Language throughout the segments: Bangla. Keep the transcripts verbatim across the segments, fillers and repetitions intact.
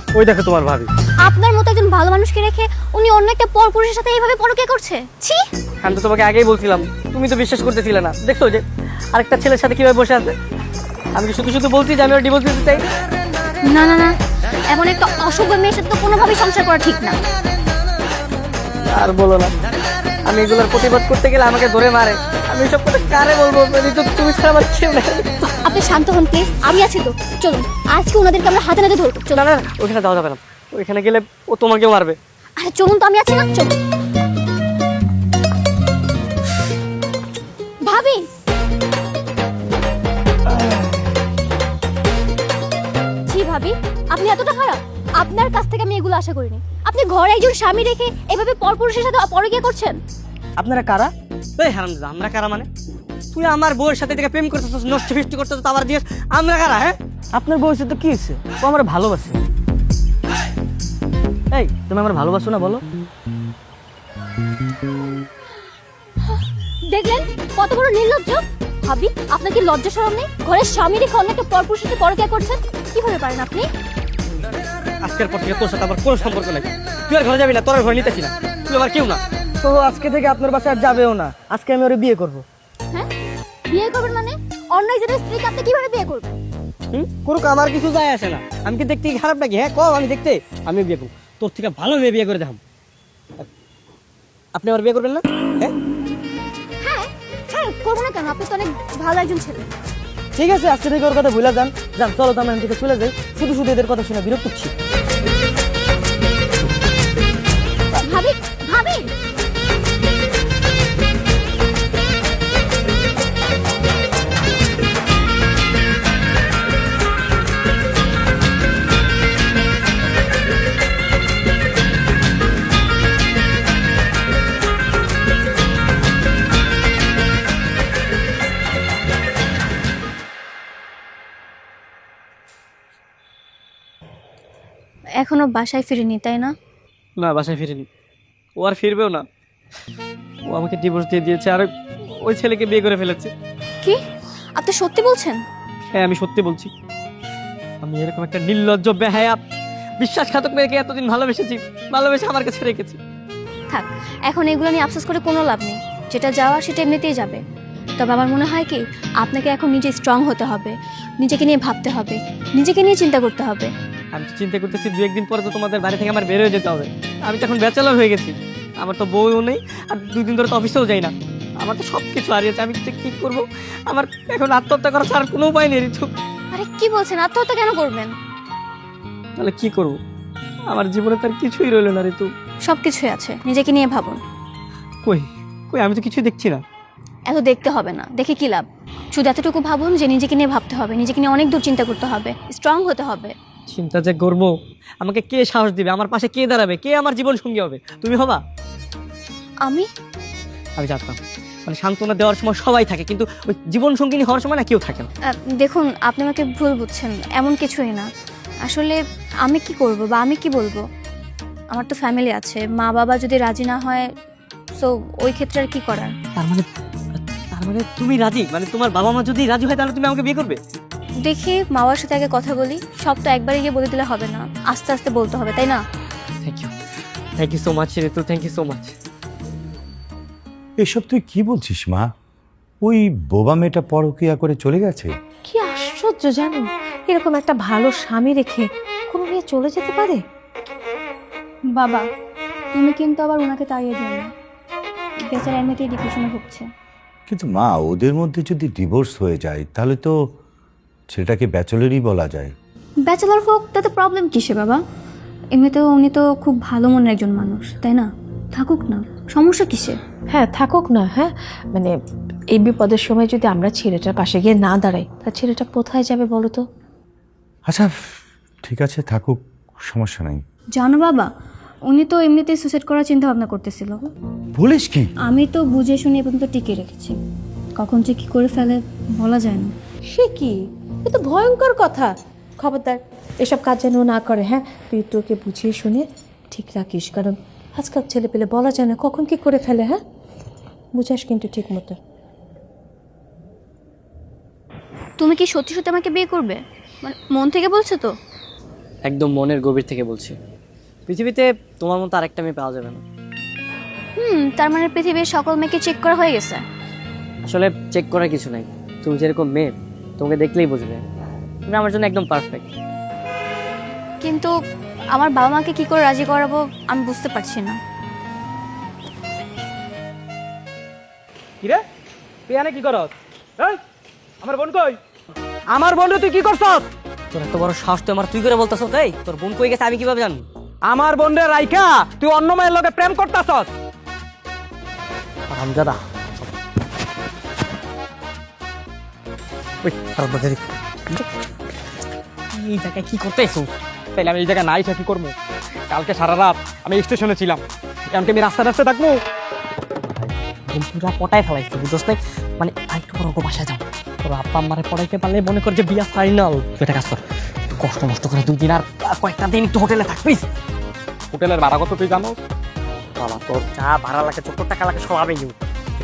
ওই দেখো তোমার ভাবি। আপনার মতো একজন ভালো মানুষকে রেখে উনি অন্য একটা পরপুরুষের সাথে এইভাবে পরকীয়া করছে। ছি! আমি তো তোমাকে আগেই বলছিলাম, তুমি তো বিশ্বাস করতেছিলে না। দেখছো যে আরেকটা ছেলের সাথে কিভাবে বসে আছে। আমি কি শুধু শুধু বলছি যে আমি ওর ডিভোর্স দিতে চাই? না না না, এমন একটা অসভ্য মেয়ের সাথে তো কোনোভাবেই সংসার করা ঠিক না। আর বলো না, আমি এগুলোর প্রতিবাদ করতে গেলে আমাকে ধরে মারে। আমি সব কথা কারে বলবো? তুমি ছাড়া আমার কেউ নেই। আপনি শান্ত হন প্লিজ, আমি আছি তো। চলুন আজকে ওনাদেরকে আমরা হাতে নাতে ধরবো। না না, ওইখানে যাওয়া যাবে না। ওইখানে গেলে ও তোমাকেও মারবে। আরে চলুন তো, আমি আছি না, চলুন। ভাবি, জি ভাবি, আপনি এতটা খারাপ? আপনার কাছ থেকে আমি এগুলো আশা করিনি। আপনি ঘরে একজন স্বামী রেখে এভাবে পরপুরুষের সাথে পরকীয়া করছেন। আপনারা কারা? এই হারামজাদা, আমরা কারা মানে? তুই আমার বউয়ের সাথে থেকে প্রেম করতেছিস, নষ্ট ফিষ্ট করতেছিস, আবার দিয়েস আমরা কারা? হ্যাঁ, আপনার বউয়ের সাথে কি হয়েছে? ও আমার ভালোবাসে। এই তুমি আমার ভালোবাসো না বলো? দেখলেন কত বড় নির্লজ্জ। ভাবি, আপনার কি লজ্জা শরম নেই? ঘরের স্বামী রেখে অন্য একটা পরপুরুষের সাথে পরকীয়া করছেন। কিভাবে পারেন আপনি? আজকের পর থেকে তোর সাথে আমার কোনো সম্পর্ক নাই। তুই আর ঘরে যাবি না, তোর আর ঘরে নিতেছি না। তুই আমার কেউ না। তো আজকে থেকে আপনার বাসায় আর যাবেও না। আজকে আমি ওরে বিয়ে করবো। হ্যাঁ, বিয়ে করবেন মানে? অন্য একজনের স্ত্রীকে আপনি কিভাবে বিয়ে করবেন? হুম, করুক, আমার কিছু যায় আসে না। আমি কি দেখতে খারাপ নাকি? হ্যাঁ কম, আমি দেখতে আমি বিয়ে করবো। তোর থেকে ভালো মেয়ে বিয়ে করে দেখাম। আপনি আমার বিয়ে করবেন না? হ্যাঁ হ্যাঁ হ্যাঁ, করবো না কেন? আপনি তো অনেক ভালো একজন ছেলে। ঠিক আছে, আজকে থেকে ওর কথা ভুলে যান। যান, চলো তো আমরা এখান থেকে চলে যাই। শুধু শুধু এদের কথা শুনে বিরক্ত হচ্ছি। ভাবি, ভাবি, এখনো বাসায় ফিরিনি তাই না? না, বাসায় ফিরিনি। ও আর ফিরবেও না। ও আমাকে ডিভোর্স দিয়ে দিয়েছে আর ওই ছেলেকে বিয়ে করে ফেলেছে। কি আপনি সত্যি বলছেন? হ্যাঁ, আমি সত্যি বলছি। আমি এরকম একটা নির্লজ্জ, বেহায়া, বিশ্বাসঘাতক মেয়েকে এতদিন ভালোবেসেছি, ভালোবেসে আমার কাছে রেখেছি। থাক, এখন এগুলো নিয়ে আফসোস করে কোনো লাভ নেই। যেটা যাওয়া সেটা এমনিতেই যাবে। তবে আমার মনে হয় কি, আপনাকে এখন নিজে স্ট্রং হতে হবে, নিজেকে নিয়ে ভাবতে হবে, নিজেকে নিয়ে চিন্তা করতে হবে। আমি তো চিন্তা করতেছি দু একদিন পরে তো তোমাদের বাড়ি থেকে আমার বের হয়ে যেতে হবে। আমি তো এখন ব্যাচেলর হয়ে গেছি। আমার তো বউও নেই, আর দুই দিন ধরে তো অফিসেও যাই না। আমার তো সব কিছু হারিয়েছে। আমি কি করবো? আমার এখন আত্মহত্যা করা ছাড়া কোনো উপায় নেই ঋতু। আরে কি বলছেন? আত্মহত্যা কেন করবেন? তাহলে কি করবো? আমার জীবনে তার কিছুই রইল না ঋতু। সব কিছুই আছে, নিজেকে নিয়ে ভাবুন। কই কই আমি তো কিছুই দেখছি না। এত দেখতে হবে না, দেখে কি লাভ? শুধু এতটুকু ভাবুন যে নিজেকে নিয়ে ভাবতে হবে, নিজেকে নিয়ে অনেক দূর চিন্তা করতে হবে, স্ট্রং হতে হবে। চিন্তা যে করবো, আমাকে কে সাহস দিবে? আমার পাশে কে দাঁড়াবে? কে আমার জীবন সঙ্গী হবে? তুমি হবা? আমি আমি জানতাম, মানে সান্ত্বনা দেওয়ার সময় সবাই থাকে, কিন্তু ওই জীবন সঙ্গিনী হওয়ার সময় না কেউ থাকে না। আহ, দেখুন, আপনি আমাকে ভুল বুঝছেন। এমন কিছুই না। আসলে আমি কি করব বা আমি কি বলবো? আমার তো ফ্যামিলি আছে, মা বাবা যদি রাজি না হয়, সো ওই ক্ষেত্রে আর কি করার? তার মানে তার মানে তুমি রাজি? মানে তোমার বাবা মা যদি রাজি হয় তাহলে তুমি আমাকে বিয়ে করবে? দেখি, মা বাবার সাথে আগে কথা বলি। সব তো একবারে গিয়ে বলে দিলে হবে না, আস্তে আস্তে বলতে হবে, তাই না? Thank you, thank you so much Ritu, thank you so much. এসব তুই কি বলছিস মা? ওই বোবা মেয়েটা পরকীয়া করে চলে গেছে? কি আশ্চর্য জানো, এরকম একটা ভালো স্বামী রেখে কোনো মেয়ে চলে যেতে পারে? বাবা, তুমি কিন্তু আবার ওনাকে তাড়িয়ে দিও না। বেচারা এমনিতেই ডিপ্রেশনে ভুগছে। কিন্তু মা, ওদের মধ্যে যদি ডিভোর্স হয়ে যায় তাহলে তো সেটাকে ব্যাচেলরই বলা যায়। ব্যাচেলর হোক, তাতে প্রবলেম কিসে বাবা? এমনিতেও উনি তো খুব ভালো মনের একজন মানুষ, তাই না? থাকুক না, সমস্যা কিসে? হ্যাঁ থাকুক না। হ্যাঁ মানে এই বিপদের সময় যদি আমরা ছেলেটার পাশে গিয়ে না দাঁড়াই, তা ছেলেটা কোথায় যাবে বলো তো? আচ্ছা ঠিক আছে, থাকুক, সমস্যা নাই। জানো বাবা, উনি তো এমনিতেই সুসাইড করার চিন্তা ভাবনা করতেছিল। বলিস কি? আমি তো বুঝে শুনে এ পর্যন্ত টিকে রেখেছি। কখন যে কি করে ফেলে বলা যায় না। সে কি, এ তো ভয়ঙ্কর কথা। খবরদার এসব কাজ যেন না করে। হ্যাঁ, তুই তোকে বুঝিয়ে শুনে ঠিক রাখিস, কারণ আজকাল ছেলে পেলে বলা যায় না কখন কি করে ফেলে। হ্যাঁ, বুঝাস কিন্তু ঠিক মতো। তুমি কি সত্যি সত্যি আমাকে বিয়ে করবে? মানে মন থেকে বলছো তো? একদম মনের গভীর থেকে বলছি, পৃথিবীতে তোমার মতো আরেকটা মেয়ে পাওয়া যাবে না। হুম, তার মানে পৃথিবীর সকল মেয়েকে চেক করা হয়ে গেছে। আসলে চেক করার কিছু নাই, তুমি যেরকম মেয়ে তোমাকে দেখলেই বুঝবে তুমি আমার জন্য একদম পারফেক্ট। কিন্তু আমার বাবা মাকে কি করে রাজি করাবো আমি বুঝতে পারছি না। কিরে তুই এনে কি করস? এই আমার বোন কই? আমার বোন তুই কি করছস? তোর এত বড় সাহস তুই আমার তুই করে বলতেছ? এই তোর বোন কই গেছে আমি কিভাবে জানবো? আমার বোন রে রাইখা তুই অন্য মেয়ের লগে প্রেম করতাছস? হামজাদা ওই তার এই জায়গায় কি করতেছো? তাইলে আমি এই জায়গায় নাই কি করবো? কালকে সারা রাত আমি স্টেশনে ছিলাম, এমনকি আমি রাস্তা রাস্তায় থাকবো। পুরা পটায় ফেলাইছে বুঝছ নাই? মানে আরেকটু বড় বাসায় যাও, তোর আব্বা আম্মারে পড়াইতে পারলে মনে কর যে বিয়া ফাইনাল। তুই একটা কাজ কর, একটু কষ্ট মষ্ট করে দুই দিন আর কয়েকটা দিন একটু হোটেলে থাক প্লিজ। হোটেলের ভাড়া কত তুই জানো? বাবা তোর যা ভাড়া লাগে চোদ্দ টাকা লাগে সব আমি নিব।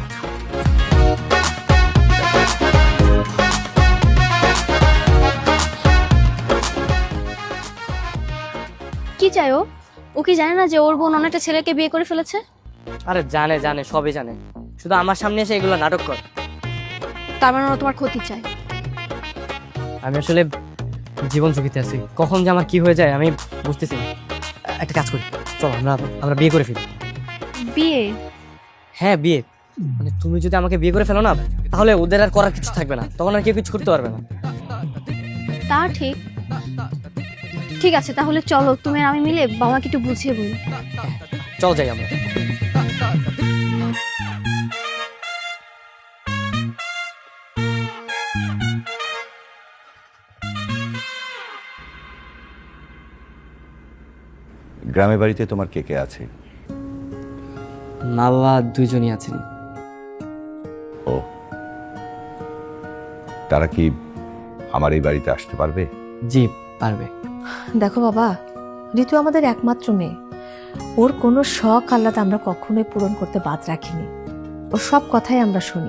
কি চাই ও? ও কি জানে না যে ওর বোন অনেকটা ছেলেকে বিয়ে করে ফেলেছে? আরে জানে জানে সবই জানে, শুধু আমার সামনে এসে এগুলো নাটক কর। তার মানে ও তোমার ক্ষতি চায়? আমি আসলে জীবন ঝুঁকিতে আছি, কখন যে আমার কি হয়ে যায় আমি বুঝতেছি না। একটা কাজ করি, চল আমরা আমরা বিয়ে করে ফেলি। বিয়ে? হ্যাঁ বিয়ে, মানে তুমি যদি আমাকে বিয়ে করে ফেলো না তাহলে ওদের আর করার কিছু থাকবে না, তখন আর কেউ কিছু করতে পারবে না। তা ঠিক। ঠিক আছে তাহলে চলো তুমি আর আমি মিলে বাবাকে একটু বুঝিয়ে বলি। চল যাই আমরা। গ্রামের বাড়িতে তোমার কে কে আছে? মা বাবা দুইজনই আছেন। ও, তারা কি আমার এই বাড়িতে আসতে পারবে? জি পারবে। দেখো বাবা, ঋতু আমাদের একমাত্র মেয়ে, ওর কোনো শখ আহ্লাদ আমরা কখনোই পূরণ করতে বাদ রাখিনি। ওর সব কথাই আমরা শুনি,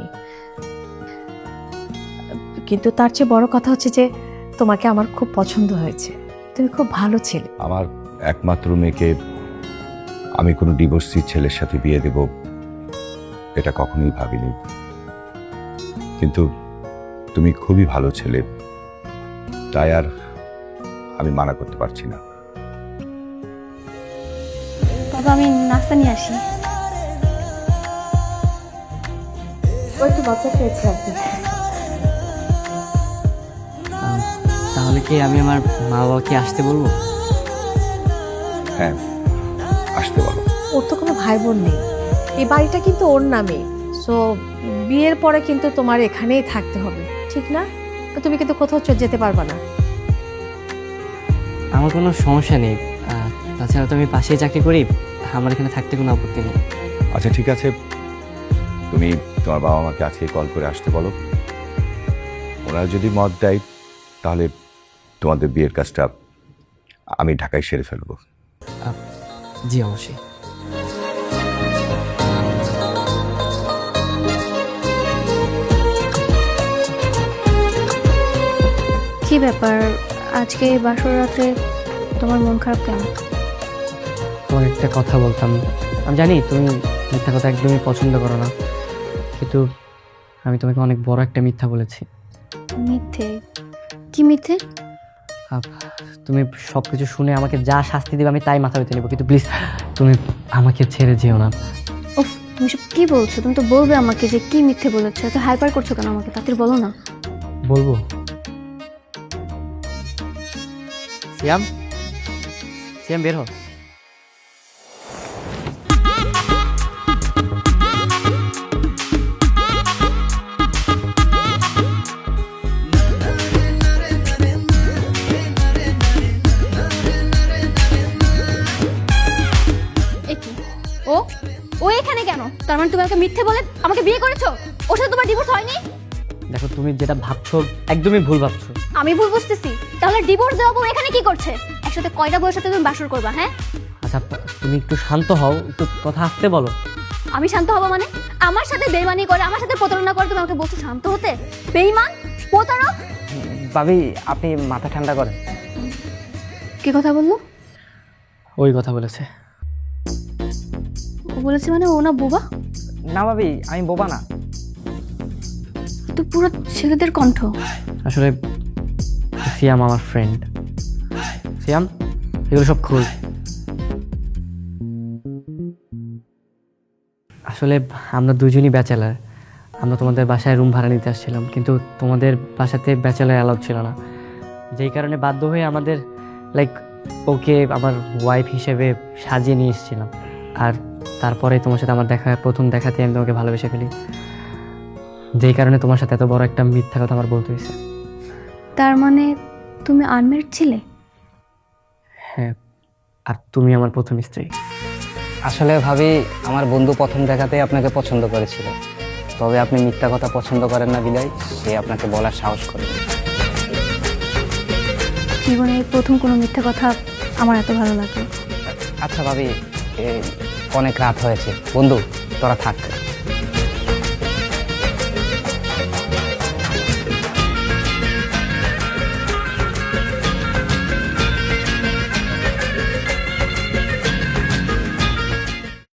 কিন্তু তার চেয়ে বড় কথা হচ্ছে যে তোমাকে আমার খুব পছন্দ হয়েছে, তুমি খুব ভালো ছেলে। আমার একমাত্র মেয়েকে আমি কোনো ডিভোর্সি ছেলের সাথে বিয়ে দেব এটা কখনোই ভাবিনি, কিন্তু তুমি খুবই ভালো ছেলে, তাই আর আমি মানা করতে পারছি না। বাবা আমি নাস্তা নিয়ে আসি। ও একটু বাচ্চা খেয়েছে আর কি। তাহলে কি আমি আমার মা বাবাকে আসতে বলবো? হ্যাঁ আসতে বলো। ওর তো কোনো ভাই বোন নেই, এই বাড়িটা কিন্তু ওর নামে, সো বিয়ের পরে কিন্তু তোমার এখানেই থাকতে হবে, ঠিক না? তুমি কিন্তু কোথাও চলে যেতে পারবে না। আমার কোনো সমস্যা নেই, আহ, তাছাড়া তো আমি পাশেই চাকরি করি, আমার এখানে থাকতে কোনো আপত্তি নেই। আচ্ছা ঠিক আছে, তুমি তোমার বাবা মাকে আজকে কল করে আসতে বলো, ওনারা যদি মত দেয় তাহলে তোমাদের বিয়ের কাজটা আমি ঢাকায় সেরে ফেলবো। আহ, জি অবশ্যই। কি ব্যাপার আজকে এই বাসর রাত্রে তোমার মন খারাপ কেন? তোমার একটা কথা বলতাম, আমি জানি তুমি মিথ্যা কথা একদমই পছন্দ করো না, কিন্তু আমি তোমাকে অনেক বড় একটা মিথ্যা বলেছি। মিথ্যে? কি মিথ্যে? আহ, তুমি সব কিছু শুনে আমাকে যা শাস্তি দেবে আমি তাই মাথা পেতে নেবো, কিন্তু প্লিজ তুমি আমাকে ছেড়ে যেও না। উফ তুমি সব কি বলছো? তুমি তো বলবে আমাকে যে কি মিথ্যে বলেছো, এত হাইপার করছো কেন আমাকে? তাড়াতাড়ি বলো না। বলবো? সিয়াম, সিয়াম বের হ। ও ও এখানে কেন? তার মানে তুমি আমাকে মিথ্যে বলে আমাকে বিয়ে করেছো? ওর সাথে তোমার ডিভোর্স হয়নি? দেখো তুমি যেটা ভাবছো একদমই ভুল ভাবছো। আমি ভুল বুঝতেছি? তাহলে ডিভোর্স দেওয়া বউ এখানে কি করছে? একসাথে কয়টা বউয়ের সাথে তুমি বাসর করবা? হ্যাঁ আচ্ছা তুমি একটু শান্ত হও, একটু কথা আসতে বলো। আমি শান্ত হবো মানে? আমার সাথে বেইমানি করে, আমার সাথে প্রতারণা করে তুমি আমাকে বলছো শান্ত হতে? বেইমান, প্রতারক। ভাবি আপনি মাথা ঠান্ডা করেন। কি কথা বললো? ওই কথা বলেছে। ও বলেছে মানে ও না বোবা? না ভাবি, আমি বোবা না। তো পুরো ছেলেদের কণ্ঠ। আসলে সিয়াম আমার ফ্রেন্ড। সিয়াম, এগুলো সব খুল। আসলে আমরা দুজনই ব্যাচেলার। আমরা তোমাদের বাসায় রুম ভাড়া নিতে আসছিলাম, কিন্তু তোমাদের বাসাতে ব্যাচেলার অ্যালাউড ছিল না, যেই কারণে বাধ্য হয়ে আমাদের লাইক ওকে আমার ওয়াইফ হিসেবে সাজিয়ে নিয়ে এসেছিলাম। আর তারপরে তোমার সাথে আমার দেখা, প্রথম দেখাতে আমি তোমাকে ভালোবেসে ফেলি, যেই কারণে তোমার সাথে এত বড় একটা মিথ্যা কথা আমার বলতে হয়েছে। তার মানে তুমি আনমেরিড ছিলে? হ্যাঁ, আর তুমি আমার প্রথম স্ত্রী। আসলে ভাবি, আমার বন্ধু প্রথম দেখাতেই আপনাকে পছন্দ করেছিল, তবে আপনি মিথ্যা কথা পছন্দ করেন না বিদায় সে আপনাকে বলার সাহস করেন। জীবনে এই প্রথম কোনো মিথ্যা কথা আমার এত ভালো লাগলো। আচ্ছা ভাবি, এ, অনেক রাত হয়েছে, বন্ধু তোরা থাক।